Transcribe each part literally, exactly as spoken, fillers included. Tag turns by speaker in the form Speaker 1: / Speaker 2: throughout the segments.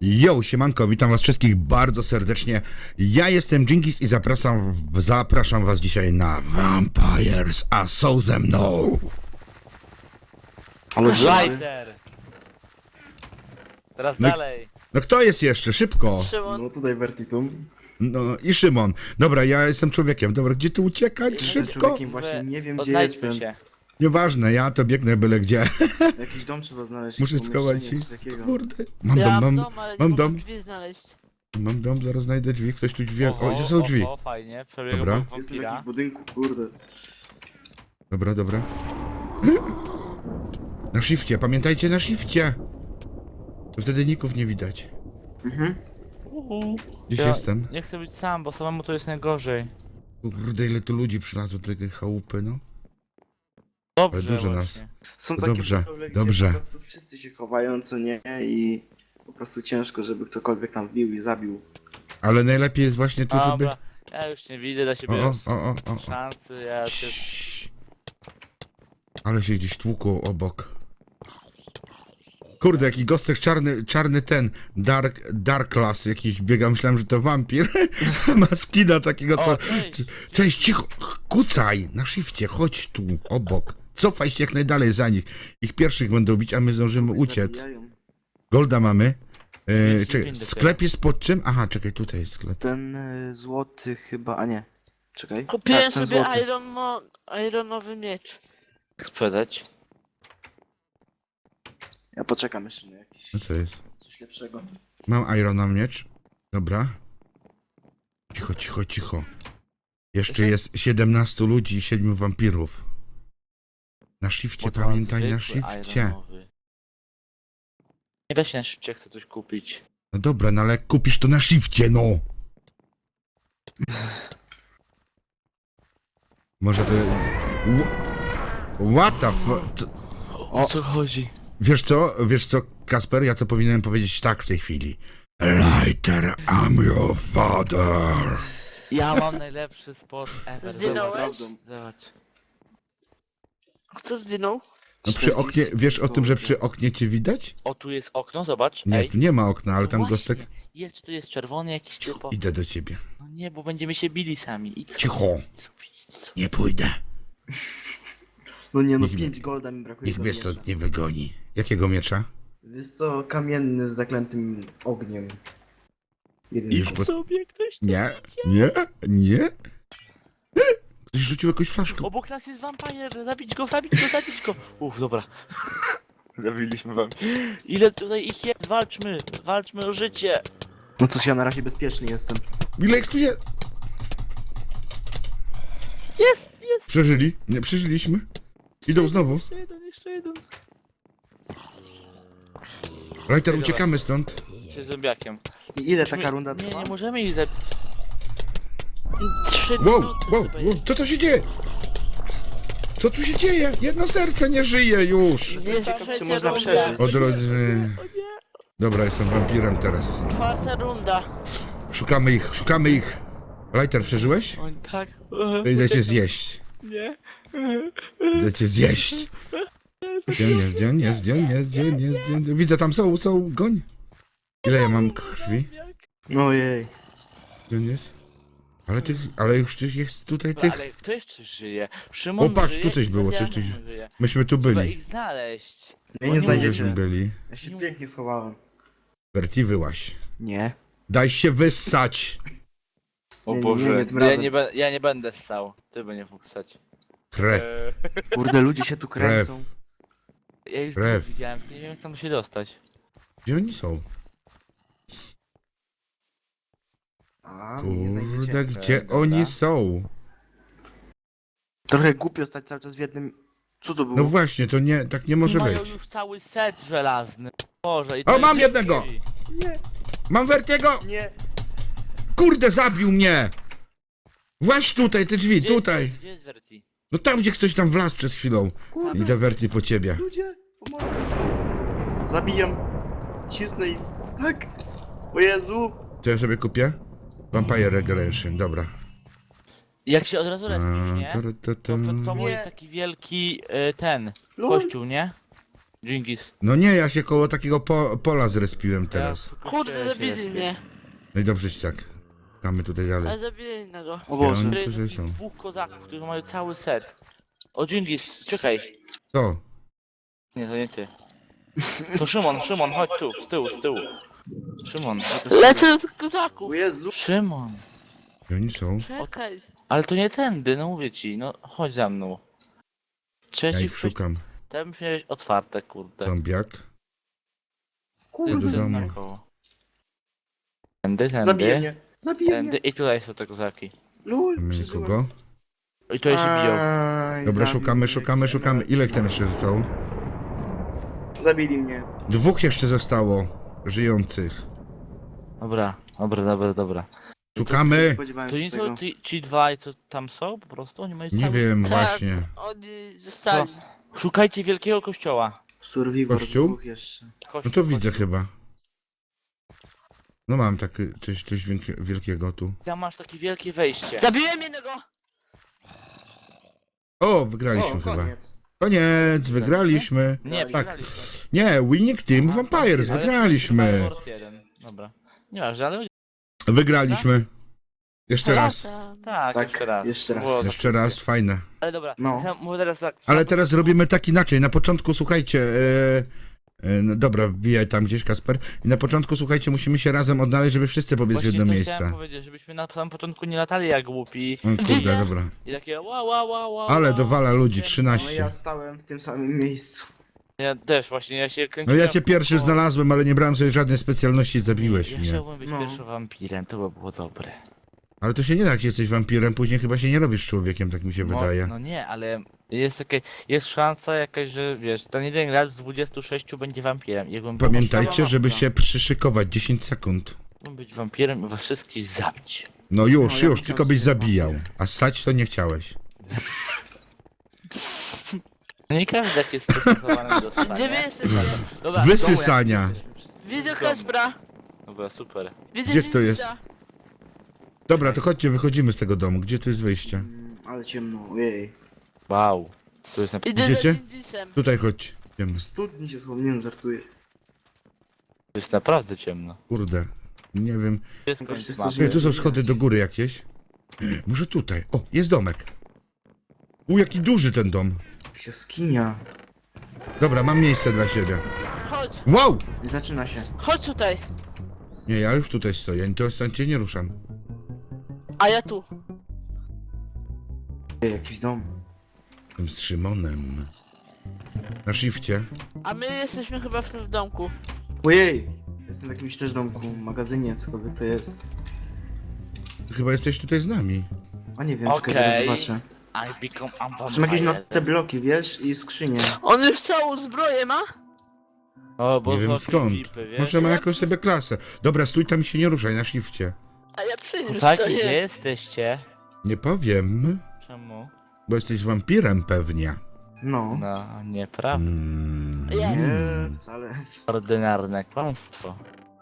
Speaker 1: Yo, siemanko, witam was wszystkich bardzo serdecznie. Ja jestem Dżingis i zapraszam, zapraszam was dzisiaj na Vampires, a są ze mną.
Speaker 2: Ale
Speaker 3: Lighter! Teraz
Speaker 1: No i-
Speaker 3: dalej.
Speaker 1: No kto jest jeszcze? Szybko.
Speaker 2: Szymon. No tutaj Vertitum.
Speaker 1: No i Szymon. Dobra, ja jestem człowiekiem. Dobra, gdzie tu uciekać?
Speaker 3: Jestem
Speaker 1: Szybko.
Speaker 2: człowiekiem. Właśnie nie wiem, gdzie
Speaker 3: Odnajdźmy
Speaker 2: jestem.
Speaker 3: się.
Speaker 1: Nieważne, ja to biegnę byle gdzie.
Speaker 2: Jakiś dom trzeba znaleźć.
Speaker 1: Muszę
Speaker 2: jakieś
Speaker 1: schować się.
Speaker 2: pomieszczenie, coś takiego.
Speaker 1: Kurde. Mam
Speaker 4: Ja
Speaker 1: dom,
Speaker 4: mam
Speaker 1: mam,
Speaker 4: dom, ale
Speaker 1: mam
Speaker 4: nie
Speaker 1: dom.
Speaker 4: mogę drzwi znaleźć.
Speaker 1: mam dom, zaraz znajdę drzwi. Ktoś tu drzwi. O, gdzie są drzwi?
Speaker 3: O, fajnie, przebiegł
Speaker 1: Dobra.
Speaker 3: obok
Speaker 2: Jestem w
Speaker 3: wampira.
Speaker 2: jakimś budynku, kurde.
Speaker 1: Dobra, dobra. Na shifcie, pamiętajcie na shifcie. To wtedy ników nie widać.
Speaker 2: Mhm.
Speaker 3: Uhu.
Speaker 1: Gdzieś
Speaker 3: Ja
Speaker 1: jestem.
Speaker 3: Nie chcę być sam, bo samemu to jest najgorzej.
Speaker 1: Kurde, ile tu ludzi przylazło do tej chałupy, no. Ale
Speaker 3: Dobrze
Speaker 1: dużo
Speaker 3: właśnie.
Speaker 1: nas.
Speaker 2: Są
Speaker 1: To
Speaker 2: takie
Speaker 1: dobrze,
Speaker 2: budowle, gdzie
Speaker 1: dobrze.
Speaker 2: po prostu wszyscy się chowają, co nie? I po prostu ciężko, żeby ktokolwiek tam wbił i zabił.
Speaker 1: Ale najlepiej jest właśnie tu, żeby...
Speaker 3: Dobra, ja już nie widzę dla
Speaker 1: O,
Speaker 3: siebie
Speaker 1: o, o, o, o, o.
Speaker 3: szansy, ja się...
Speaker 1: Ciii. Ale się gdzieś tłukło obok. Kurde, jaki gostek czarny, czarny ten, Dark, Dark Class jakiś biega, myślałem, że to wampir. Ma skina takiego, co...
Speaker 3: O, cześć!
Speaker 1: Cześć, cicho, kucaj, na shifcie, chodź tu, obok. Cofaj się jak najdalej za nich. Ich pierwszych będą bić, a my zdążymy uciec.
Speaker 2: Zabijają.
Speaker 1: Golda mamy. E,
Speaker 3: Pięć,
Speaker 1: czekaj,
Speaker 3: pięć dopiero.
Speaker 1: sklep jest pod czym? Aha, czekaj, tutaj jest sklep.
Speaker 2: Ten y, złoty chyba, a nie. Czekaj.
Speaker 4: Kupiłem
Speaker 2: Tak, ten
Speaker 4: sobie
Speaker 2: złoty.
Speaker 4: iron mo ironowy miecz.
Speaker 3: Sprzedać?
Speaker 2: Ja poczekam jeszcze na jakiś
Speaker 1: No co jest?
Speaker 2: coś lepszego.
Speaker 1: Mam Irona miecz. Dobra. Cicho, cicho, cicho. Jeszcze
Speaker 3: Jeszcze?
Speaker 1: jest siedemnastu ludzi i siedmiu wampirów. Na shifcie,
Speaker 3: Bo to
Speaker 1: pamiętaj, na
Speaker 3: zwykły
Speaker 1: shifcie.
Speaker 3: ironowy. Nie da się na szybcie, chcę coś kupić.
Speaker 1: No dobra, no ale jak kupisz to na shifcie, no. Może to... Wh- What the fu...
Speaker 3: O co chodzi?
Speaker 1: Wiesz co, wiesz co, Kasper, ja to powinienem powiedzieć tak w tej chwili. Lighter, I'm your father.
Speaker 3: Ja mam najlepszy spot ever.
Speaker 4: Zginąłeś?
Speaker 3: Zobacz. Zobacz.
Speaker 4: Kto zdjął?
Speaker 1: No przy oknie, wiesz o tym, że przy oknie cię widać?
Speaker 3: O, tu jest okno, zobacz.
Speaker 1: Nie,
Speaker 3: Ej.
Speaker 1: tu nie ma okna, ale
Speaker 3: No
Speaker 1: tam
Speaker 3: właśnie.
Speaker 1: gostek...
Speaker 3: Jest, tu jest czerwony jakiś
Speaker 1: Cicho,
Speaker 3: typo.
Speaker 1: idę do ciebie.
Speaker 3: No nie, bo będziemy się bili sami. Idź
Speaker 1: Cicho,
Speaker 3: sobie, idź sobie, idź sobie.
Speaker 1: nie pójdę.
Speaker 2: No nie no,
Speaker 1: Niech
Speaker 2: pięć
Speaker 1: mnie-
Speaker 2: golda mi brakuje
Speaker 1: Niech
Speaker 2: do
Speaker 1: mnie
Speaker 2: miecza.
Speaker 1: stąd nie wygoni. Jakiego miecza?
Speaker 2: Wiesz co, kamienny z zaklętym ogniem. Jeden
Speaker 1: Już
Speaker 2: tylko.
Speaker 1: po-
Speaker 3: Sobie ktoś tu
Speaker 1: Nie,
Speaker 3: idzie.
Speaker 1: nie, nie. Ktoś rzucił jakąś flaszkę.
Speaker 3: Obok nas jest wampir, zabić go, zabić go, zabić go. Uff, dobra. Zabiliśmy wam. Ile tutaj ich jest? Walczmy, walczmy o życie.
Speaker 2: No cóż, ja na razie bezpieczny jestem.
Speaker 1: Ile ich tu jest?
Speaker 3: Jest, jest.
Speaker 1: Przeżyli? Nie, przeżyliśmy. Idą znowu.
Speaker 3: Jeszcze jeden, jeszcze jeden.
Speaker 1: Lighter, uciekamy stąd.
Speaker 3: Się zombiakiem.
Speaker 2: I ile taka runda
Speaker 3: Nie,
Speaker 2: trwa?
Speaker 3: nie możemy ich zabić.
Speaker 4: Trzy
Speaker 1: Wow,
Speaker 4: minuty
Speaker 1: wow,
Speaker 4: chyba
Speaker 1: wow,
Speaker 4: jest.
Speaker 1: co to się dzieje? Co tu się dzieje? Jedno serce nie żyje już.
Speaker 4: Nie
Speaker 2: Ciekaw, czy
Speaker 4: trzecia
Speaker 2: można
Speaker 4: runda.
Speaker 2: przeżyć.
Speaker 1: O drodzy.
Speaker 3: O nie.
Speaker 1: Dobra, jestem wampirem teraz.
Speaker 4: Czwarta runda.
Speaker 1: Szukamy ich, szukamy ich. Lighter, przeżyłeś?
Speaker 3: On tak.
Speaker 1: To idę cię zjeść.
Speaker 3: Nie.
Speaker 1: Idę cię zjeść. Gdzie on jest, gdzie on jest, gdzie on jest, gdzie on jest, gdzie on jest. Widzę, tam są, są, goń. Ile ja mam krwi?
Speaker 2: Ojej.
Speaker 1: Gdzie on jest? Ale tych, ale już tych jest tutaj tych.
Speaker 3: Ale kto jeszcze żyje? Szymon
Speaker 1: O, patrz,
Speaker 3: żyje,
Speaker 1: tu coś było, coś, coś.
Speaker 3: Szymon żyje.
Speaker 1: Myśmy tu
Speaker 3: Trzeba
Speaker 1: byli.
Speaker 3: ich znaleźć.
Speaker 2: Mnie
Speaker 3: O
Speaker 2: nie
Speaker 3: nie,
Speaker 1: Żeśmy
Speaker 2: znajdziecie.
Speaker 1: byli.
Speaker 2: Ja się pięknie schowałem.
Speaker 1: Berti, wyłaś.
Speaker 2: Nie.
Speaker 1: Daj się wyssać.
Speaker 3: O
Speaker 2: Nie, nie,
Speaker 3: Boże,
Speaker 2: nie, nie, tym
Speaker 3: ja,
Speaker 2: razem.
Speaker 3: nie be, ja nie będę ssał. Ty będziesz mógł ssać.
Speaker 1: Krew,
Speaker 2: Kurde, ludzie się tu kręcą.
Speaker 3: Ja już
Speaker 1: Krew.
Speaker 3: to widziałem, nie wiem jak tam się dostać.
Speaker 1: gdzie oni są?
Speaker 2: A, mnie nie znajdziecie.
Speaker 1: Kurde, gdzie
Speaker 3: Dobra.
Speaker 1: oni są?
Speaker 2: Trochę głupio stać cały czas w jednym... Co to było?
Speaker 1: No właśnie, to nie, tak nie może
Speaker 3: Mają
Speaker 1: być.
Speaker 3: już cały set żelazny. Boże, i to
Speaker 1: O, mam
Speaker 3: jest-
Speaker 1: jednego!
Speaker 2: Nie,
Speaker 1: Mam Vertiego!
Speaker 2: nie.
Speaker 1: Kurde, zabił mnie! Właź tutaj, te drzwi,
Speaker 3: Gdzie jest-
Speaker 1: tutaj.
Speaker 3: Gdzie jest Verti?
Speaker 1: No tam, gdzie ktoś tam wlazł przed chwilą.
Speaker 2: Kurde,
Speaker 1: Idę Verti po ciebie.
Speaker 2: ludzie, pomocy. Zabijam. Cisnę ich. Tak. O Jezu.
Speaker 1: Co ja sobie kupię? Vampire Regeneration, dobra.
Speaker 3: Jak się od razu respisz,
Speaker 1: A,
Speaker 3: nie?
Speaker 1: to, to,
Speaker 3: To
Speaker 1: to.
Speaker 3: przed tobą
Speaker 2: Nie.
Speaker 3: jest taki wielki y, ten
Speaker 2: Lol.
Speaker 3: kościół, nie? Dżingis.
Speaker 1: No nie, ja się koło takiego po, pola zrespiłem teraz.
Speaker 3: Ja
Speaker 4: Kurde, zabili
Speaker 3: się
Speaker 4: mnie.
Speaker 1: No i dobrze ci tak. Czekamy tutaj dalej.
Speaker 4: Ale zabili innego.
Speaker 2: O
Speaker 1: Ja,
Speaker 2: Boże.
Speaker 1: oni tu że są.
Speaker 3: Dwóch kozaków, którzy mają cały set. O Dżingis, czekaj.
Speaker 1: To.
Speaker 3: Nie, to nie ty. To Szymon, Szymon, chodź tu, z tyłu, z tyłu. Szymon, chodź tu z tyłu.
Speaker 4: Lecę do kozaków.
Speaker 2: O Jezu.
Speaker 3: Szymon.
Speaker 1: Gdzie oni są?
Speaker 4: Czekaj.
Speaker 3: Ale to nie tędy, no mówię ci, no chodź za mną.
Speaker 1: Ja
Speaker 3: Trzeci
Speaker 1: ich szukam.
Speaker 3: Tam miałeś otwarte, kurde.
Speaker 1: Zombiak.
Speaker 2: Kurde.
Speaker 1: do domu.
Speaker 3: Naokoło. Tędy, tędy.
Speaker 2: Zabije mnie. Zabije
Speaker 3: Tędy
Speaker 2: mnie.
Speaker 3: i tutaj są te kozaki.
Speaker 2: Lul,
Speaker 1: Mamy
Speaker 2: przeżyłem.
Speaker 1: nikogo.
Speaker 3: I tutaj się biją.
Speaker 2: Aj,
Speaker 1: Dobra,
Speaker 2: zabił
Speaker 1: szukamy,
Speaker 2: mnie.
Speaker 1: szukamy, szukamy. Ile ich tam jeszcze zostało?
Speaker 2: Zabili mnie.
Speaker 1: Dwóch jeszcze zostało. Żyjących.
Speaker 3: Dobra, dobra, dobra, dobra.
Speaker 2: Nie
Speaker 1: Szukamy!
Speaker 2: spodziewałem
Speaker 3: To
Speaker 2: się
Speaker 3: nie
Speaker 2: tego.
Speaker 3: są ci, ci dwaj, co tam są po prostu? Oni mają
Speaker 1: Nie
Speaker 3: cały...
Speaker 1: wiem,
Speaker 4: Tak.
Speaker 1: właśnie.
Speaker 4: Oni zostali.
Speaker 3: Szukajcie wielkiego kościoła.
Speaker 2: Survivor
Speaker 1: Kościół?
Speaker 2: dwóch jeszcze.
Speaker 3: Kościół,
Speaker 1: No to widzę
Speaker 3: kościół.
Speaker 1: chyba. No mam takie coś, coś wielkie- wielkiego tu.
Speaker 3: Tam masz takie wielkie wejście.
Speaker 4: Zabiłem jednego!
Speaker 1: O, wygraliśmy
Speaker 2: O,
Speaker 1: chyba.
Speaker 2: koniec.
Speaker 1: Koniec, wygraliśmy.
Speaker 3: Nie,
Speaker 1: Tak.
Speaker 3: przegraliśmy.
Speaker 1: Nie, Winning Team Vampires,
Speaker 3: Ale
Speaker 1: wygraliśmy.
Speaker 3: Wars jeden. Dobra. Nie masz, ale
Speaker 1: Wygraliśmy. Jeszcze raz.
Speaker 4: Latam.
Speaker 3: tak,
Speaker 2: Tak,
Speaker 3: jeszcze raz.
Speaker 2: jeszcze raz.
Speaker 3: Było za-
Speaker 1: Jeszcze raz, fajne.
Speaker 3: Ale dobra,
Speaker 2: No.
Speaker 3: ja mówię teraz tak.
Speaker 1: Ale teraz zrobimy tak inaczej. Na początku, słuchajcie, e, e, no dobra, wbijaj tam gdzieś, Kasper. I na początku, słuchajcie, musimy się razem odnaleźć, żeby wszyscy pobiec w
Speaker 3: Właśnie
Speaker 1: jedno
Speaker 3: to chciałem
Speaker 1: miejsce.
Speaker 3: powiedzieć, żebyśmy na samym początku nie latali jak głupi
Speaker 1: O, kurde,
Speaker 4: Widzę.
Speaker 1: dobra.
Speaker 3: i takie ła ła ła ła.
Speaker 1: Ale
Speaker 3: ła.
Speaker 1: dowala ludzi,
Speaker 2: No
Speaker 1: trzynaście.
Speaker 2: ja stałem w tym samym miejscu.
Speaker 3: Ja też właśnie, ja się
Speaker 1: No
Speaker 3: kręciłem.
Speaker 1: ja cię pierwszy
Speaker 3: o-
Speaker 1: znalazłem, ale nie brałem sobie żadnej specjalności i zabiłeś
Speaker 3: Ja
Speaker 1: mnie.
Speaker 3: chciałbym być
Speaker 2: No.
Speaker 3: pierwszym wampirem, to by było dobre.
Speaker 1: Ale to się nie da, jak jesteś wampirem, później chyba się nie robisz człowiekiem, tak mi się
Speaker 3: No,
Speaker 1: wydaje.
Speaker 3: no nie, ale jest takie, jest szansa jakaś, że wiesz, ten jeden gracz z dwudziestu sześciu będzie wampirem. Jakbym był
Speaker 1: Pamiętajcie, żeby
Speaker 3: wampirem,
Speaker 1: się przyszykować dziesięć sekund.
Speaker 3: mógłbym być wampirem i was wszystkich zabić.
Speaker 1: No już,
Speaker 2: No, ja
Speaker 1: już,
Speaker 2: bym
Speaker 1: tylko
Speaker 2: chciał
Speaker 1: byś
Speaker 2: sobie
Speaker 1: zabijał.
Speaker 2: wampir.
Speaker 1: A ssać to nie chciałeś.
Speaker 3: No nie każdy jak jest przystosowany do stania.
Speaker 4: Gdzie wy jesteście?
Speaker 3: Dobra,
Speaker 1: Wysysania.
Speaker 4: Widzę Kaspra.
Speaker 3: dobra, super.
Speaker 4: Widzę
Speaker 1: Gdzie kto jest?
Speaker 4: Dżingisa.
Speaker 1: Dobra, to chodźcie, wychodzimy z tego domu. Gdzie tu jest wyjście?
Speaker 2: Mm, ale ciemno, ojej.
Speaker 3: Wow. Tu jest na...
Speaker 4: Idę
Speaker 1: Idziecie?
Speaker 4: za Dżingisem.
Speaker 1: Tutaj chodź. Idziemy.
Speaker 2: W studni się schowałem, żartuję.
Speaker 3: To jest naprawdę ciemno.
Speaker 1: Kurde. Nie wiem.
Speaker 3: To jest
Speaker 2: Tylko
Speaker 3: koniec
Speaker 2: wszyscy
Speaker 3: mapy.
Speaker 2: żyją.
Speaker 1: Nie, tu są schody do góry jakieś. Może tutaj. O, jest domek. U, jaki duży ten dom.
Speaker 2: Jaskinia.
Speaker 1: Dobra, mam miejsce dla siebie.
Speaker 4: Chodź,
Speaker 1: Wow!
Speaker 2: I zaczyna się.
Speaker 4: chodź tutaj.
Speaker 1: Nie, ja już tutaj stoję, to stąd cię nie ruszam.
Speaker 4: A ja tu.
Speaker 2: Ej, jakiś dom.
Speaker 1: Jestem z Szymonem. Na shifcie.
Speaker 4: A my jesteśmy chyba w tym domku.
Speaker 2: Ojej! Jestem w jakimś też domku, magazynie, cokolwiek to jest.
Speaker 1: Chyba jesteś tutaj z nami.
Speaker 2: A nie wiem, czekaj, zaraz
Speaker 3: Okej.
Speaker 2: zobaczę.
Speaker 3: I become a vampire.
Speaker 2: Są jakieś note bloki, wiesz? I skrzynie.
Speaker 4: On już całą zbroję ma?
Speaker 3: O, bo
Speaker 1: Nie wiem
Speaker 3: są
Speaker 1: skąd.
Speaker 3: Filipy, wiesz?
Speaker 1: Może ma jakąś sobie klasę. Dobra, stój tam i się nie ruszaj na shifcie.
Speaker 4: A ja przy nim
Speaker 3: Chłopaki, gdzie
Speaker 4: stoję.
Speaker 3: jesteście?
Speaker 1: Nie powiem,
Speaker 3: Czemu?
Speaker 1: bo jesteś wampirem pewnie.
Speaker 2: No.
Speaker 3: No, nieprawda.
Speaker 1: Mm.
Speaker 4: Jest.
Speaker 2: Nie, wcale.
Speaker 3: Ordynarne kłamstwo.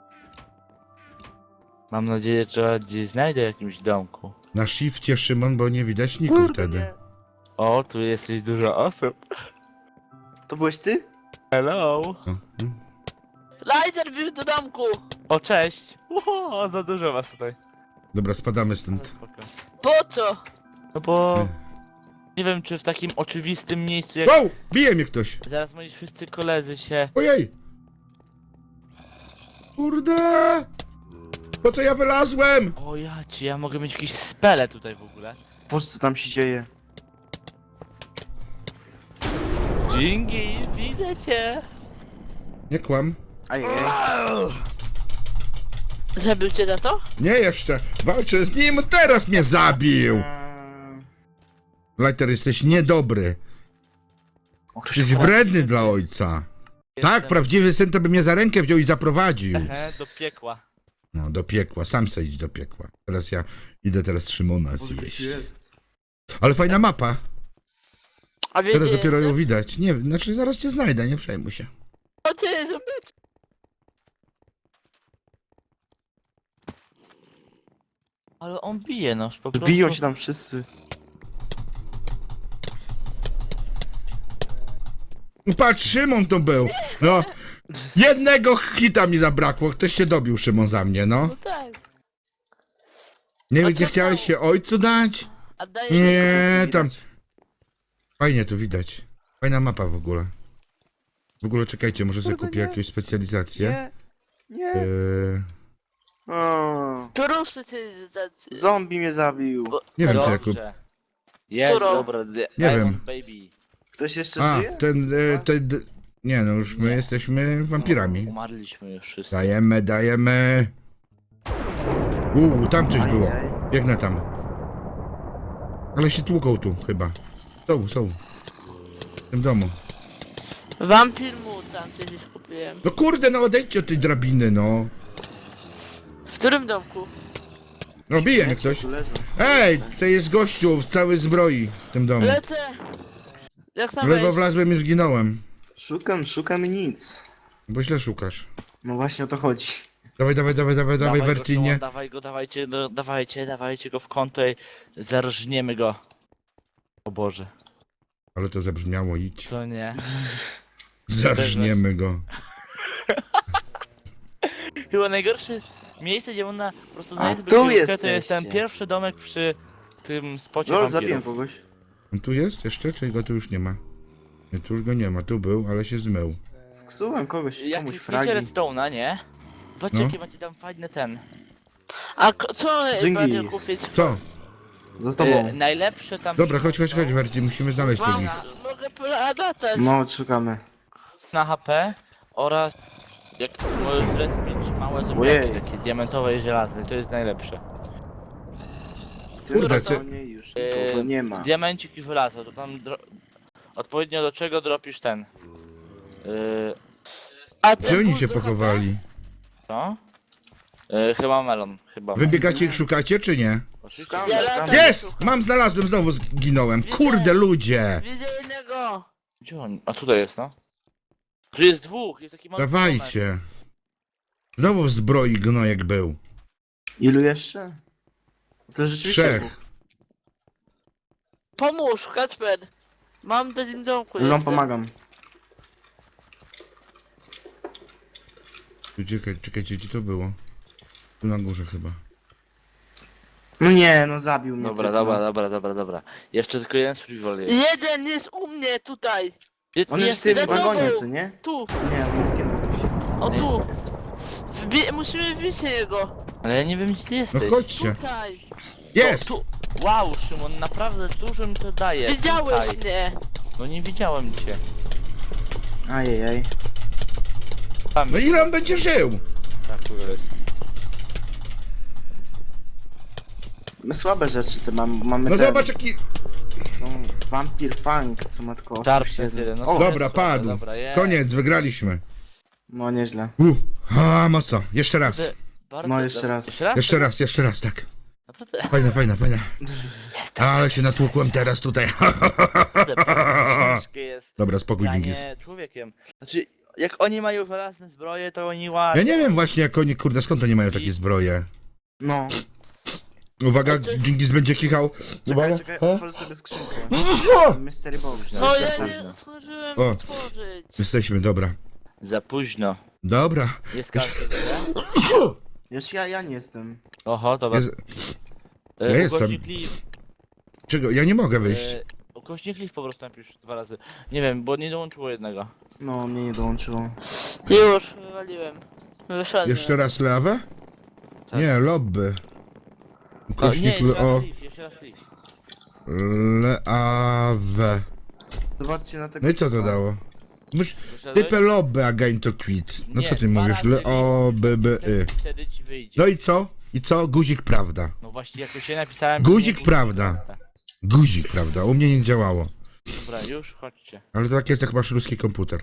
Speaker 3: Mam nadzieję, że gdzieś znajdę w jakimś domku.
Speaker 1: Na shifcie, Szymon, bo nie widać niku wtedy.
Speaker 3: O, tu jesteś dużo osób.
Speaker 2: To byłeś ty?
Speaker 3: Hello.
Speaker 1: O, mm.
Speaker 4: Lighter bił do domku.
Speaker 3: O, cześć. O, za dużo was tutaj.
Speaker 1: Dobra, spadamy
Speaker 3: Ale
Speaker 1: stąd.
Speaker 3: spoko.
Speaker 4: Po co?
Speaker 3: No bo... Nie wiem, czy w takim oczywistym miejscu jak...
Speaker 1: Wow! Bije mnie ktoś!
Speaker 3: Zaraz moi wszyscy koledzy się...
Speaker 1: Ojej! Kurde! Po co ja wylazłem?
Speaker 3: O ja ci, ja mogę mieć jakieś spele tutaj w ogóle.
Speaker 2: Boże, co tam się dzieje?
Speaker 3: Dzięki, widzę cię.
Speaker 1: Nie kłam.
Speaker 2: Ajej.
Speaker 4: Zabił cię za to?
Speaker 1: Nie jeszcze. Walczę z nim, teraz mnie zabił!
Speaker 2: Eee,
Speaker 1: Lighter, jesteś niedobry.
Speaker 2: o, ktoś
Speaker 1: Jesteś
Speaker 2: wchodzi.
Speaker 1: wredny dla ojca. Tak, prawdziwy syn to by mnie za rękę wziął i zaprowadził.
Speaker 3: Ehe, do piekła.
Speaker 1: No, do piekła, sam se idź do piekła. Teraz ja idę teraz Szymona
Speaker 2: Boże, ktoś
Speaker 1: zjeść.
Speaker 2: tu jest.
Speaker 1: Ale fajna mapa.
Speaker 4: A wiesz,
Speaker 1: Teraz
Speaker 4: gdzie
Speaker 1: dopiero ją
Speaker 4: jestem?
Speaker 1: widać. Nie, znaczy zaraz cię znajdę, nie przejmuj się.
Speaker 4: O ty, zobacz.
Speaker 3: Ale on bije, no, po prostu.
Speaker 2: Biją się tam wszyscy.
Speaker 1: Patrz, Szymon to był. No. Jednego hita mi zabrakło. Ktoś się dobił, Szymon, za mnie, no.
Speaker 4: No tak.
Speaker 1: Nie,
Speaker 4: A
Speaker 1: nie
Speaker 4: co
Speaker 1: chciałeś
Speaker 4: tam?
Speaker 1: się ojcu dać?
Speaker 4: A dajesz
Speaker 1: Nie,
Speaker 2: Widać.
Speaker 1: tam. Fajnie tu widać. Fajna mapa w ogóle. W ogóle czekajcie, może sobie
Speaker 2: Kurde,
Speaker 1: kupię
Speaker 2: nie.
Speaker 1: jakąś specjalizację.
Speaker 2: Nie, nie.
Speaker 1: Eee,
Speaker 2: O,
Speaker 4: Którą specjalizację?
Speaker 2: zombie mnie zabił.
Speaker 4: Bo-
Speaker 1: nie wiem, co
Speaker 3: Dobrze.
Speaker 1: Jakub.
Speaker 3: Jest,
Speaker 4: Którą?
Speaker 3: dobra. Nie
Speaker 1: wiem.
Speaker 3: Baby.
Speaker 2: Ktoś jeszcze
Speaker 1: A,
Speaker 2: żyje?
Speaker 1: ten, e, ten... d- Nie no, już my
Speaker 3: Nie.
Speaker 1: jesteśmy wampirami.
Speaker 3: Umarliśmy już wszyscy.
Speaker 1: Dajemy, dajemy. Uuu, tam coś było.
Speaker 2: Ajaj.
Speaker 1: Biegnę tam. Ale się tłuką tu chyba. Są, są. W tym domu.
Speaker 4: Vampir Mutant kiedyś kupiłem.
Speaker 1: No kurde, no odejdźcie od tej drabiny, no.
Speaker 4: W którym domku?
Speaker 1: No bije mnie ktoś.
Speaker 2: Tu leżą.
Speaker 1: Ej, to jest gościu w całej zbroi w tym domu.
Speaker 4: Lecę! Jak tam
Speaker 1: W lewo
Speaker 4: wejść?
Speaker 1: wlazłem i zginąłem.
Speaker 2: Szukam, szukam i nic.
Speaker 1: Bo źle szukasz.
Speaker 2: No właśnie o to chodzi.
Speaker 1: Dawaj, dawaj, dawaj, dawaj, dawaj,
Speaker 3: go,
Speaker 1: Bertinie.
Speaker 3: Szymon, dawaj go, dawajcie, no, dawajcie, dawajcie go w kąto i zarżniemy go. O Boże,
Speaker 1: Ale to zabrzmiało, idź.
Speaker 3: co nie?
Speaker 1: Zarżniemy go.
Speaker 3: Chyba najgorsze miejsce, gdzie można po prostu
Speaker 2: A,
Speaker 3: znaleźć
Speaker 2: tu
Speaker 3: sobie książkę, to
Speaker 2: jesteście.
Speaker 3: jest ten pierwszy domek przy tym spocie
Speaker 2: Lol, zabiłem
Speaker 3: wampirów.
Speaker 2: kogoś.
Speaker 1: On tu jest jeszcze, czy go tu już nie ma? Nie, tu już go nie ma, tu był, ale się zmył.
Speaker 2: Sksułem kogoś,
Speaker 3: Jak
Speaker 2: komuś
Speaker 3: klikniecie
Speaker 2: fragi.
Speaker 3: redstone'a, nie? Patrzcie,
Speaker 1: No.
Speaker 3: jakie macie tam fajny ten.
Speaker 4: A ko- co
Speaker 2: Dżingis.
Speaker 4: bardziej kupić?
Speaker 1: Co?
Speaker 2: Za
Speaker 3: E,
Speaker 2: tobą.
Speaker 3: najlepsze tam...
Speaker 1: Dobra, chodź, chodź, chodź, Berti, musimy znaleźć
Speaker 4: Mam,
Speaker 1: tych.
Speaker 4: mogę polatać.
Speaker 2: No, szukamy.
Speaker 3: Na H P oraz jak możesz respić małe
Speaker 2: Ojej.
Speaker 3: zombiaki, takie diamentowe i żelazne, to jest najlepsze.
Speaker 2: Ty
Speaker 1: Kurde,
Speaker 2: na
Speaker 1: co-
Speaker 2: nie już
Speaker 3: Eee,
Speaker 2: nikogo nie ma.
Speaker 3: Diamencik i żelazo, to tam dro... odpowiednio do czego dropisz ten. Yy,
Speaker 4: A
Speaker 1: Gdzie
Speaker 4: ten
Speaker 1: oni
Speaker 4: ból
Speaker 1: się
Speaker 4: do
Speaker 1: pochowali?
Speaker 3: co? Yy, chyba melon, chyba.
Speaker 1: Wybiegacie ich szukacie, czy nie?
Speaker 3: Oczywiście.
Speaker 2: Szukamy,
Speaker 4: Ja
Speaker 2: szukamy.
Speaker 4: latam.
Speaker 1: Jest! Mam, znalazłem, znowu zginąłem. Kurde, ludzie!
Speaker 4: Widzę jednego.
Speaker 3: Gdzie on? A tutaj jest, no. Tu jest dwóch, jest taki mały domek.
Speaker 1: Dawajcie. Znowu w zbroi gnojek był.
Speaker 2: Ilu jeszcze? To rzeczywiście
Speaker 1: Trzech.
Speaker 2: dwóch.
Speaker 4: Pomóż, Kacper. Mam w tym domku
Speaker 2: Lulom
Speaker 4: jestem.
Speaker 2: pomagam.
Speaker 1: Tu, Czekaj, czekajcie, gdzie to było? Tu na górze chyba.
Speaker 2: No nie, no zabił mnie.
Speaker 3: Dobra,
Speaker 2: typ,
Speaker 3: dobra,
Speaker 2: no.
Speaker 3: dobra, dobra, dobra. Jeszcze tylko jeden survival jest.
Speaker 4: Jeden jest u mnie tutaj.
Speaker 3: Gdzie ty
Speaker 2: On jest w
Speaker 3: jesteś?
Speaker 2: tym
Speaker 4: za
Speaker 2: wagonie,
Speaker 4: tobą.
Speaker 2: co nie?
Speaker 4: Tu.
Speaker 2: Nie, on jest zginął.
Speaker 4: O tu. Wbi musimy wbić niego.
Speaker 3: Ale ja nie wiem, gdzie ty
Speaker 1: No
Speaker 3: jesteś.
Speaker 1: chodźcie.
Speaker 4: Tutaj.
Speaker 1: Jest!
Speaker 3: Tu. Wow, Szymon, naprawdę dużo mi to daje.
Speaker 4: Widziałeś
Speaker 3: Tutaj.
Speaker 4: mnie.
Speaker 3: No nie widziałem cię.
Speaker 2: Ajajaj.
Speaker 3: Tam
Speaker 1: No ile on będzie żył?
Speaker 3: Tak, tu jest.
Speaker 2: My słabe rzeczy te mam, mamy
Speaker 1: No
Speaker 2: ten,
Speaker 1: zobacz jaki...
Speaker 2: no, Vampir Fang, co ma tylko
Speaker 3: Darkness
Speaker 2: osiem
Speaker 3: jeden, no
Speaker 2: O,
Speaker 3: to-
Speaker 1: Dobra,
Speaker 3: jest
Speaker 1: padł.
Speaker 3: słabe, dobra, jest.
Speaker 1: Koniec, wygraliśmy.
Speaker 2: no nieźle.
Speaker 1: Uh, a mocno. Jeszcze raz.
Speaker 3: Ty- Bardzo
Speaker 2: No, jeszcze
Speaker 3: dobra.
Speaker 2: raz.
Speaker 3: Jeszcze raz?
Speaker 1: Jeszcze raz, jeszcze raz, tak.
Speaker 3: Naprawdę,
Speaker 1: Fajna, fajna, fajna. Ale się natłukłem teraz tutaj.
Speaker 3: naprawdę bardzo ciężkie jest
Speaker 1: Dobra, spokój, Dingis.
Speaker 3: granie człowiekiem. Znaczy, jak oni mają żelazne zbroje, to oni łapią.
Speaker 1: Ja nie wiem właśnie jak oni, kurde, skąd oni mają takie zbroje.
Speaker 2: No,
Speaker 1: Uwaga, Dingis będzie kichał. Uwaga.
Speaker 2: czekaj, czekaj,
Speaker 1: O.
Speaker 2: otworzę sobie skrzynkę.
Speaker 1: O!
Speaker 2: Mystery Box.
Speaker 4: No ja
Speaker 2: Zapraszam.
Speaker 4: nie otworzyłem
Speaker 1: O.
Speaker 4: otworzyć.
Speaker 1: Jesteśmy, dobra.
Speaker 3: Za późno.
Speaker 1: Dobra.
Speaker 3: Jest każdy, nie?
Speaker 2: Już ja, ja nie jestem.
Speaker 3: Oho, dobra.
Speaker 1: Jest...
Speaker 3: E,
Speaker 1: ja jestem.
Speaker 3: ukośnik Cliff,
Speaker 1: Czego? Ja nie mogę wyjść.
Speaker 3: e, ukośnik Cliff po prostu napisz dwa razy. Nie wiem, bo nie dołączyło jednego.
Speaker 2: No, mnie nie dołączyło.
Speaker 4: Już, wywaliłem. Wyszedłem.
Speaker 1: Jeszcze raz lewę?
Speaker 3: Tak.
Speaker 1: Nie, lobby.
Speaker 3: O, nie,
Speaker 1: Ukośnik
Speaker 3: jeszcze
Speaker 1: le...
Speaker 3: raz
Speaker 1: o...
Speaker 3: Cliff, jeszcze raz Cliff.
Speaker 1: Leawe.
Speaker 2: Zobaczcie na tego.
Speaker 1: No i co to dało? Myś...
Speaker 3: Wyszedłeś?
Speaker 1: Typę lobby again to quit. No
Speaker 3: Nie,
Speaker 1: co ty
Speaker 3: dwa
Speaker 1: mówisz?
Speaker 3: razy
Speaker 1: Le o b b y.
Speaker 3: Wtedy, wtedy ci wyjdzie.
Speaker 1: No i co? I co? Guzik prawda.
Speaker 3: No właśnie, jak już się napisałem...
Speaker 1: Guzik
Speaker 3: nie-
Speaker 1: prawda. Guzik prawda. U mnie nie działało.
Speaker 3: Dobra, już chodźcie.
Speaker 1: Ale to tak jest jak masz ruski komputer.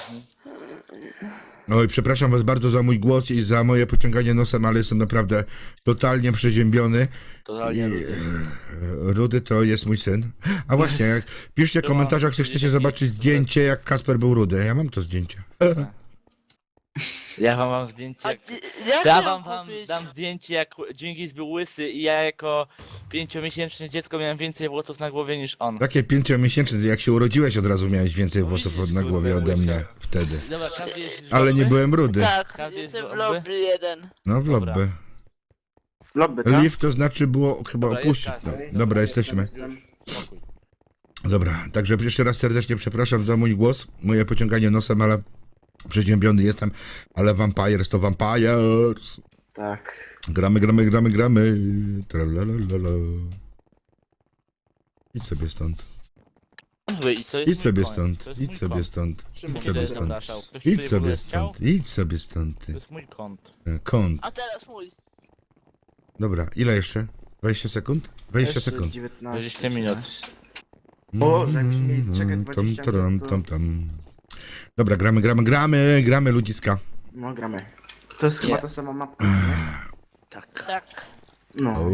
Speaker 1: Oj, przepraszam was bardzo za mój głos i za moje pociąganie nosem, ale jestem naprawdę totalnie przeziębiony.
Speaker 3: Totalnie
Speaker 1: I,
Speaker 3: lubię.
Speaker 1: e, Rudy to jest mój syn. A właśnie, jak piszcie w komentarzach, czy chcecie zobaczyć zdjęcie, jak Kasper był rudy. Ja mam to zdjęcie.
Speaker 3: Ja wam mam zdjęcie
Speaker 4: A
Speaker 3: jak...
Speaker 4: ty, jak
Speaker 3: Ja
Speaker 4: ja
Speaker 3: wam,
Speaker 4: mam
Speaker 3: wam
Speaker 4: kupić?
Speaker 3: dam zdjęcie jak Dżingis był łysy i ja jako pięciomiesięczne dziecko miałem więcej włosów na głowie niż on.
Speaker 1: Takie pięciomiesięczne, jak się urodziłeś od razu miałeś więcej
Speaker 3: No
Speaker 1: włosów
Speaker 3: widzisz,
Speaker 1: od na
Speaker 3: kurde,
Speaker 1: głowie ode
Speaker 3: łysia.
Speaker 1: mnie wtedy.
Speaker 3: Dobra, każdy jest już
Speaker 1: Ale nie
Speaker 3: dobry?
Speaker 1: byłem rudy.
Speaker 4: Tak,
Speaker 3: Każdy jest
Speaker 4: jestem w
Speaker 3: dobry?
Speaker 4: lobby jeden.
Speaker 1: No w
Speaker 3: Dobra.
Speaker 1: lobby.
Speaker 2: Lobby, tak?
Speaker 1: Leave to znaczy było chyba
Speaker 3: Dobra,
Speaker 1: opuścić.
Speaker 3: jest
Speaker 1: No.
Speaker 3: każdy.
Speaker 1: Dobra, jesteśmy.
Speaker 2: Jestem.
Speaker 3: Spokój.
Speaker 1: Dobra, także jeszcze raz serdecznie przepraszam za mój głos, moje pociąganie nosem, ale przeziębiony jestem, ale Vampires to Vampires.
Speaker 2: Tak.
Speaker 1: Gramy, gramy, gramy, gramy. Tralalala. Idź sobie stąd.
Speaker 3: Mówię, i co jest
Speaker 1: Idź
Speaker 3: mój
Speaker 1: sobie
Speaker 3: koń?
Speaker 1: stąd.
Speaker 3: To jest
Speaker 1: Idź
Speaker 3: mój
Speaker 1: sobie
Speaker 3: kąt.
Speaker 1: stąd.
Speaker 3: Szymon
Speaker 1: Idź
Speaker 3: mnie
Speaker 1: sobie
Speaker 3: tutaj
Speaker 1: stąd.
Speaker 3: zapraszał. Ktoś
Speaker 1: Idź
Speaker 3: tutaj w ogóle
Speaker 1: sobie
Speaker 3: chciał?
Speaker 1: stąd. Idź sobie stąd,
Speaker 3: To
Speaker 1: ty.
Speaker 3: jest mój kąt.
Speaker 1: E, Kąt.
Speaker 4: A teraz mój.
Speaker 1: Dobra, ile jeszcze? dwadzieścia sekund? dwadzieścia
Speaker 2: Jeszcze
Speaker 1: sekund.
Speaker 2: dziewiętnaście.
Speaker 3: dwadzieścia minut.
Speaker 2: O, jakbyśmy mieli czekać
Speaker 1: Mm,
Speaker 2: dwadzieścia
Speaker 1: tam, tam,
Speaker 2: minut, to-
Speaker 1: tam, tam. Dobra, gramy, gramy, gramy, gramy ludziska.
Speaker 2: No, gramy. To jest chyba
Speaker 3: Nie.
Speaker 2: ta sama mapka, co nie?
Speaker 3: Tak.
Speaker 4: Tak.
Speaker 2: No.
Speaker 1: O,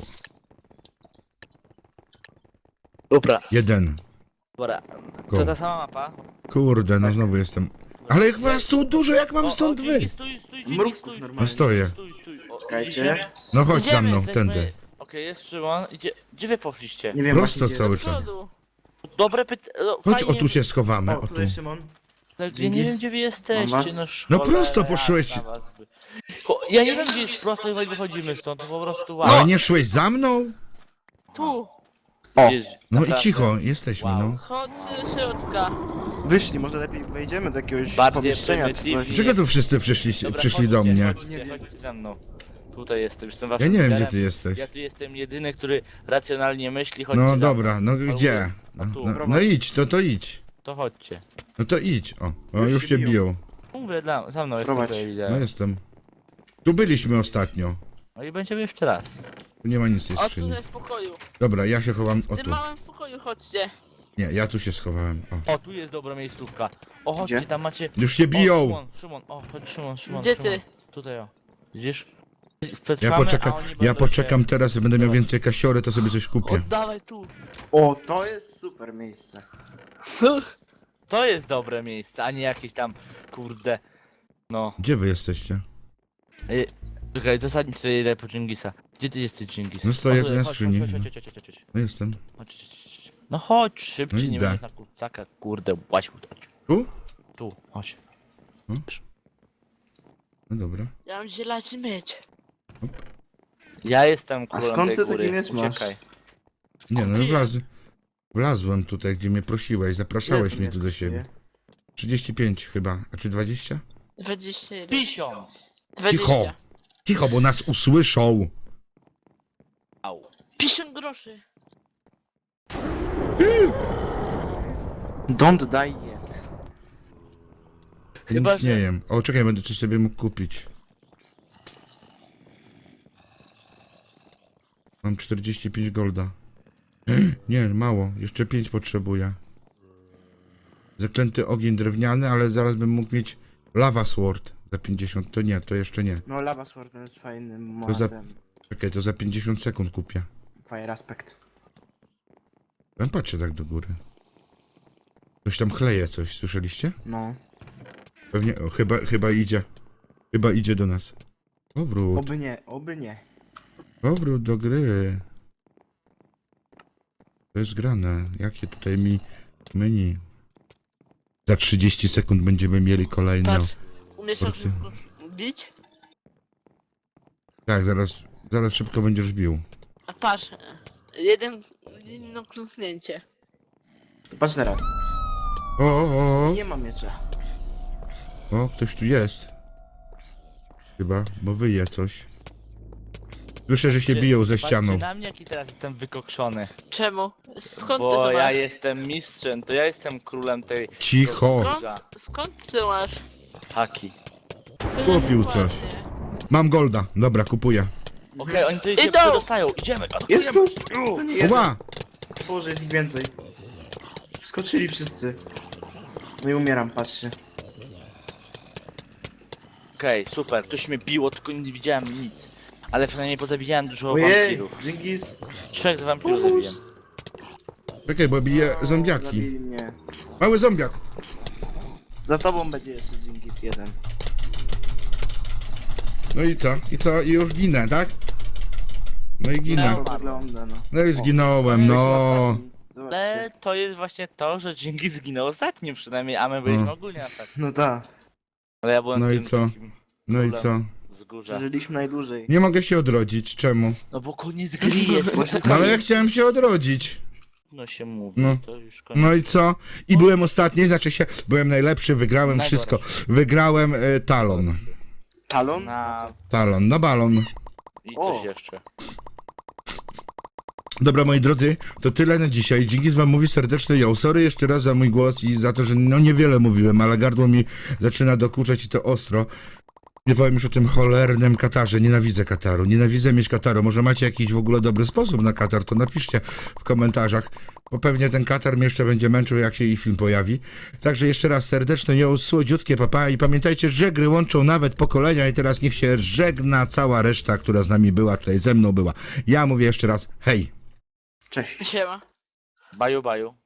Speaker 3: Dobra,
Speaker 1: jeden.
Speaker 3: dobra.
Speaker 1: Go.
Speaker 3: To ta sama mapa?
Speaker 1: Kurde, no znowu jestem. Ale jak was tu dużo, jak mam
Speaker 3: O,
Speaker 1: stąd
Speaker 3: o, Dżingis,
Speaker 1: wyjść?
Speaker 3: Stój, stój, Dżingis,
Speaker 2: Mrówków
Speaker 3: stój.
Speaker 2: normalnie.
Speaker 1: No stoję.
Speaker 3: Stój, stój. O,
Speaker 2: Czekajcie.
Speaker 3: idziecie?
Speaker 1: No chodź za
Speaker 4: Idziemy,
Speaker 1: mną,
Speaker 3: Jesteśmy-
Speaker 1: tędy.
Speaker 3: Okej, jest Szymon. Idzie... Gdzie wy poszliście?
Speaker 2: Nie wiem,
Speaker 1: Prosto
Speaker 2: właśnie, gdzie
Speaker 1: cały
Speaker 2: jest.
Speaker 4: Do
Speaker 1: czas.
Speaker 4: przodu.
Speaker 3: Dobre pytanie. No,
Speaker 1: Chodź,
Speaker 3: fajnie,
Speaker 1: o tu się schowamy,
Speaker 2: O,
Speaker 1: o
Speaker 2: tu
Speaker 1: tu.
Speaker 2: jest Szymon.
Speaker 3: Tak, ja nie
Speaker 2: Dżingis?
Speaker 3: wiem gdzie wy
Speaker 2: Mam
Speaker 3: jesteście,
Speaker 2: was?
Speaker 3: no
Speaker 1: No
Speaker 3: cholera
Speaker 1: prosto poszłeś.
Speaker 3: jasna was by- Ko- Ja nie wiem gdzie jest prosto i wychodzimy stąd, to po prostu wow.
Speaker 1: Ale nie szłeś za mną?
Speaker 4: Tu.
Speaker 2: O,
Speaker 3: Jest-
Speaker 1: No i
Speaker 3: naprawdę.
Speaker 1: cicho, jesteśmy,
Speaker 3: Wow.
Speaker 1: no.
Speaker 4: Chodź z środka.
Speaker 2: wyszli, może lepiej wejdziemy do jakiegoś
Speaker 3: Bardziej
Speaker 2: pomieszczenia czy
Speaker 3: prymitywnie.
Speaker 2: coś.
Speaker 1: Dlaczego tu wszyscy przyszliście,
Speaker 3: Dobra,
Speaker 1: przyszli do
Speaker 3: chodźcie,
Speaker 1: mnie?
Speaker 3: Chodźcie, chodźcie ze mną. Tutaj jestem, jestem
Speaker 1: Ja
Speaker 3: waszym
Speaker 1: nie wiem, gdzie
Speaker 3: liderem.
Speaker 1: ty jesteś.
Speaker 3: Ja tu jestem jedyny, który racjonalnie myśli, chodźcie
Speaker 1: No
Speaker 3: za
Speaker 1: dobra,
Speaker 3: mną.
Speaker 1: no gdzie? No,
Speaker 3: tu,
Speaker 1: no,
Speaker 2: prowadź.
Speaker 1: no idź, to to idź.
Speaker 3: To chodźcie.
Speaker 1: No to idź, o. O,
Speaker 2: Już
Speaker 1: już
Speaker 2: się
Speaker 1: cię
Speaker 2: biją.
Speaker 1: biją.
Speaker 3: Mówię dla, za mną jestem
Speaker 2: Prowadź.
Speaker 3: tutaj
Speaker 1: No
Speaker 3: liderem.
Speaker 1: jestem. Tu byliśmy ostatnio.
Speaker 3: No i będziemy jeszcze raz.
Speaker 1: Tu nie ma nic w tej
Speaker 4: O,
Speaker 1: skrzyni.
Speaker 4: tutaj w pokoju.
Speaker 1: Dobra, ja się chowam, o
Speaker 4: W tym
Speaker 1: tu.
Speaker 4: małym pokoju chodźcie.
Speaker 1: Nie, ja tu się schowałem, o.
Speaker 3: O, tu jest dobra miejscówka. O, chodźcie,
Speaker 2: Gdzie?
Speaker 3: tam macie...
Speaker 1: Już się
Speaker 3: O,
Speaker 1: biją!
Speaker 3: Szymon, Szymon, o, chodź Szymon, Szymon,
Speaker 4: Gdzie
Speaker 3: Szymon.
Speaker 4: ty?
Speaker 3: Tutaj o. Widzisz?
Speaker 1: Ja
Speaker 3: Przetrwamy,
Speaker 1: poczekam,
Speaker 3: a oni
Speaker 1: ja
Speaker 3: będą
Speaker 1: poczekam teraz, będę miał
Speaker 3: Zobacz.
Speaker 1: więcej kasiory, to sobie coś kupię.
Speaker 4: Oddawaj tu.
Speaker 2: O, to jest super miejsce.
Speaker 3: Się... To jest dobre miejsce, a nie jakieś tam, kurde... No.
Speaker 1: Gdzie wy jesteście?
Speaker 3: Y, Czekaj, zasadniczo sobie idę po Dżingisa. Gdzie ty jesteś, Dżingis?
Speaker 1: No stoję
Speaker 3: O,
Speaker 1: tu
Speaker 3: tutaj,
Speaker 1: na
Speaker 3: chodź,
Speaker 1: skrzyni.
Speaker 3: Chodź, chodź, chodź, chodź, chodź, chodź.
Speaker 1: No jestem.
Speaker 3: Chodź, chodź, chodź. No chodź, szybciej,
Speaker 1: No
Speaker 3: nie
Speaker 1: idę.
Speaker 3: będziesz na kurcaka, kurde, łaź chodź.
Speaker 1: Tu?
Speaker 3: Tu, chodź.
Speaker 1: No dobra.
Speaker 4: Ja mam zielaczy mieć.
Speaker 3: Ja jestem królem
Speaker 2: skąd
Speaker 3: tej
Speaker 2: ty taki
Speaker 3: góry,
Speaker 2: miecz masz?
Speaker 3: uciekaj.
Speaker 1: Nie no, wlaz... wlazłem tutaj, gdzie mnie prosiłeś, zapraszałeś
Speaker 2: Ile
Speaker 1: mnie
Speaker 2: tu
Speaker 1: tu do
Speaker 2: jest
Speaker 1: siebie. trzydzieści pięć chyba, a czy dwadzieścia?
Speaker 4: dwadzieścia jeden.
Speaker 3: Pisią!
Speaker 4: dwadzieścia.
Speaker 1: Cicho, bo nas usłyszą.
Speaker 3: Au.
Speaker 4: pięćdziesiąt groszy.
Speaker 2: Don't die yet.
Speaker 3: Chyba,
Speaker 1: Nic nie
Speaker 3: że-
Speaker 1: jem. O, czekaj, będę coś sobie mógł kupić. Mam czterdzieści pięć golda. Nie, mało. Jeszcze pięć potrzebuję. Zaklęty ogień drewniany, ale zaraz bym mógł mieć lava sword za pięćdziesiąt. To nie, to jeszcze nie.
Speaker 2: No, Lava Sword jest fajnym
Speaker 1: To za-
Speaker 2: modem.
Speaker 1: Czekaj, to za pięćdziesiąt sekund kupię.
Speaker 2: Fire aspect.
Speaker 1: Ja patrzę tak do góry. Ktoś tam chleje coś, słyszeliście?
Speaker 2: No.
Speaker 1: Pewnie, o, chyba, chyba idzie. Chyba idzie do nas. Powrót,
Speaker 2: Oby nie, oby nie.
Speaker 1: powrót do gry. To jest grane. Jakie tutaj mi menu? Za trzydzieści sekund będziemy mieli kolejną.
Speaker 4: Patrz. Umiesz tak
Speaker 1: Porcję.
Speaker 4: szybko bić?
Speaker 1: Tak, zaraz, zaraz szybko będziesz bił.
Speaker 4: A patrz. Jeden, jedno kliknięcie.
Speaker 2: To patrz teraz.
Speaker 1: O, o, o,
Speaker 2: Nie ma miecza.
Speaker 1: o, ktoś tu jest. Chyba, bo wyje coś. Słyszę, że się biją ze ścianą.
Speaker 3: Patrzcie na mnie, jaki teraz jestem wykokszony.
Speaker 4: Czemu? Skąd ty
Speaker 3: Bo
Speaker 4: to
Speaker 3: ja
Speaker 4: masz?
Speaker 3: jestem mistrzem, to ja jestem królem tej...
Speaker 1: Cicho!
Speaker 3: Dobrze.
Speaker 4: Skąd, skąd ty masz?
Speaker 3: Haki.
Speaker 4: To
Speaker 1: Kupił
Speaker 4: jest
Speaker 1: coś.
Speaker 4: ładnie.
Speaker 1: Mam golda. Dobra, kupuję.
Speaker 3: Okej, oni tutaj
Speaker 4: Idą!
Speaker 3: się przedostają, idziemy!
Speaker 2: Jest
Speaker 3: atakujemy.
Speaker 2: tu! To nie jeden.
Speaker 1: Oła!
Speaker 2: Boże, jest ich więcej. Wskoczyli wszyscy. No i umieram, patrzcie.
Speaker 3: Okej, super, ktoś mnie biło, tylko nie widziałem nic. Ale przynajmniej pozabijałem dużo
Speaker 2: Ojej,
Speaker 3: wampirów.
Speaker 2: Dżingis.
Speaker 3: Trzech wampirów
Speaker 2: Pomóż.
Speaker 3: zabiłem.
Speaker 1: Czekaj, bo bije
Speaker 2: O,
Speaker 1: zombiaki.
Speaker 2: zabili mnie.
Speaker 1: Mały zombiak.
Speaker 2: Za tobą będzie jeszcze Dżingis jeden.
Speaker 1: No i co? I co? I już ginę, tak? No i ginę.
Speaker 2: To wygląda, no.
Speaker 1: No i zginąłem, no.
Speaker 2: Zobaczcie.
Speaker 3: Ale to jest właśnie to, że Dzięki zginął ostatnim przynajmniej, a my byliśmy
Speaker 1: Mm.
Speaker 3: ogólnie na tak.
Speaker 2: No tak,
Speaker 3: Ale ja byłem
Speaker 1: No i
Speaker 3: tym
Speaker 1: co?
Speaker 3: takim
Speaker 1: No i co?
Speaker 3: wzgórza.
Speaker 2: żyliśmy najdłużej.
Speaker 1: Nie mogę się odrodzić, czemu?
Speaker 3: No bo koniec gry jest,
Speaker 2: Bo wszystko
Speaker 1: No ale ja
Speaker 2: jest.
Speaker 1: chciałem się odrodzić.
Speaker 3: no się mówi,
Speaker 1: No.
Speaker 3: to już koniec.
Speaker 1: No i co? I byłem ostatni, znaczy się, byłem najlepszy, wygrałem
Speaker 3: Najgorszy.
Speaker 1: wszystko. Wygrałem y, talon.
Speaker 2: Talon?
Speaker 3: Na...
Speaker 1: Talon, na balon.
Speaker 3: I
Speaker 2: O.
Speaker 3: coś jeszcze.
Speaker 1: Dobra, moi drodzy, to tyle na dzisiaj. Dzięki z wam mówi serdeczny ją. Sorry jeszcze raz za mój głos i za to, że no niewiele mówiłem, ale gardło mi zaczyna dokuczać i to ostro. Nie powiem już o tym cholernym katarze. Nienawidzę kataru. Nienawidzę mieć kataru. Może macie jakiś w ogóle dobry sposób na katar, to napiszcie w komentarzach, bo pewnie ten katar mnie jeszcze będzie męczył, jak się i film pojawi. Także jeszcze raz serdeczne ją, słodziutkie papa i pamiętajcie, że gry łączą nawet pokolenia i teraz niech się żegna cała reszta, która z nami była, tutaj ze mną była. Ja mówię jeszcze raz hej.
Speaker 2: Cześć.
Speaker 4: Siema.
Speaker 3: Baju, baju.